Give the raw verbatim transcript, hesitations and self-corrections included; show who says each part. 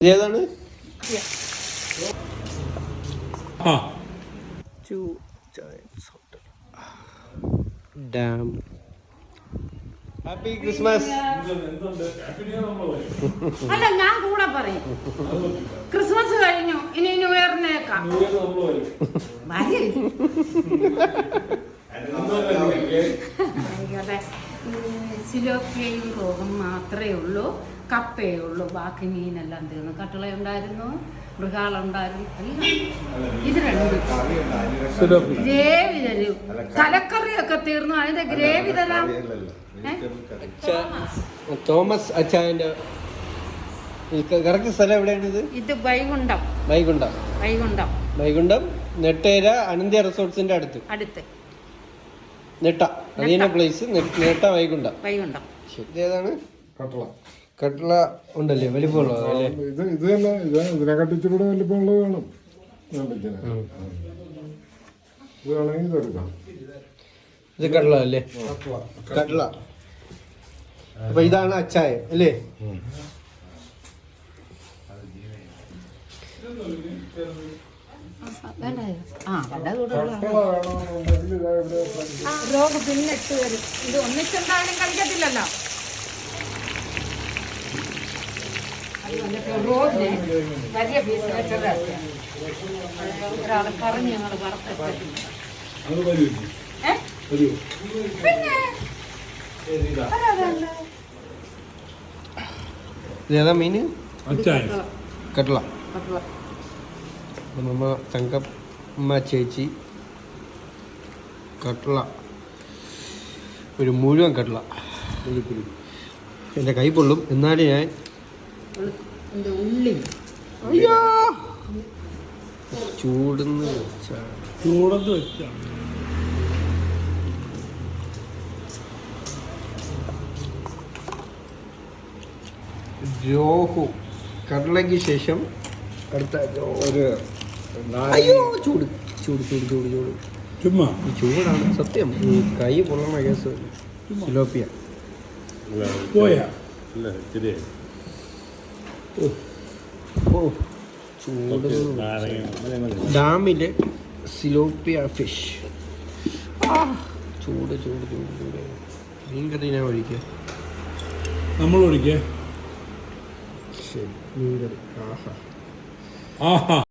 Speaker 1: ഏതാണ് dam. Happy Christmas.
Speaker 2: അല്ല, ഞാൻ കൂടെ പറയും ക്രിസ്മസ് കഴിഞ്ഞു, ഇനി ന്യൂ ഇയറിനേക്കാം. സിലോപ്പിയയും റോഗും മാത്രമേ ഉള്ളൂ, കപ്പയേ ഉള്ളൂ, ബാക്കി മീനെല്ലാം തീർന്നു. കട്ടള ഉണ്ടായിരുന്നു, മൃഗാളുണ്ടായിരുന്നു, എല്ലാം ഇത് രണ്ടും ഗ്രേവി തരും. തലക്കറിയൊക്കെ തീർന്നു, അതിന്റെ ഗ്രേവി തരാം.
Speaker 1: തോമസ് അച്ചായന്റെ കറക്റ്റ് സ്ഥലം എവിടെയാണിത്?
Speaker 2: ഇത് വൈകുണ്ഠം.
Speaker 1: വൈകുണ്ഠം
Speaker 2: വൈകുണ്ഠം
Speaker 1: വൈകുണ്ഠം നെട്ടേര അനന്ത്യ റിസോർട്സിന്റെ അടുത്ത് അടുത്ത് നെട്ട അതീന പ്ലേസ് നെട്ട വൈകുണ്ഠം വൈകുണ്ഠം ഏതാണ്?
Speaker 3: കട്ടള.
Speaker 1: കട്ടള ഉണ്ടല്ലേ, വലിപ്പമുള്ളത് അല്ലേ?
Speaker 3: ഇത് ഇത് തന്നെ ഇത് ഇതിനെ കട്ടിച്ചുകൂടെ വലിപ്പമുള്ളത് വേണം. ഇത് വേണമെങ്കിൽ ഇതെടുക്കാം.
Speaker 1: ഇത് കട്ടള അല്ലേ? കട്ടള. അപ്പൊ ഇതാണ് അച്ചായം അല്ലേ?
Speaker 2: പിന്നെ ഇട്ട് വരും. ഇത് ഒന്നിച്ചെന്തായാലും കഴിക്കത്തില്ലല്ലോ. വലിയ പീസ് വെച്ചത് ഒരാൾ പറഞ്ഞ് ഞങ്ങൾ വറുത്തിട്ട് പിന്നെ
Speaker 1: ഇതേതാ മീന്? കട്ടള. നമ്മ തങ്കമ്മ ചേച്ചി കട്ടള, ഒരു മുഴുവൻ കട്ടള. എൻ്റെ കൈ പൊള്ളും, എന്നാലും ഞാൻ
Speaker 2: ഉള്ളി
Speaker 1: അയ്യോ ചൂടുന്ന്
Speaker 4: ചൂടത്ത് വെച്ചാണ്.
Speaker 1: രോഹു കടലയ്ക്ക് ശേഷം അടുത്ത ഒരു അയ്യോ ചൂട് ചൂട് ചൂട് ചൂട് ചൂട്
Speaker 4: ചുമ്മാ
Speaker 1: ഈ ചൂടാണ് സത്യം. ഈ കൈ പൊള്ളണ കേസ്. സിലോപ്പിയ
Speaker 4: പോയാ
Speaker 1: ഓ ചൂട്. ഡാമിലെ സിലോപ്പിയ ഫിഷ്. ചൂട് ചൂട് ചൂട് ചൂട്. മീൻ കറി ഞാൻ ഒഴിക്കുക.
Speaker 4: നമ്മൾ ഒഴിക്കേ.
Speaker 1: ശരി, മീൻ കറി. ആഹാ
Speaker 4: ആഹാ.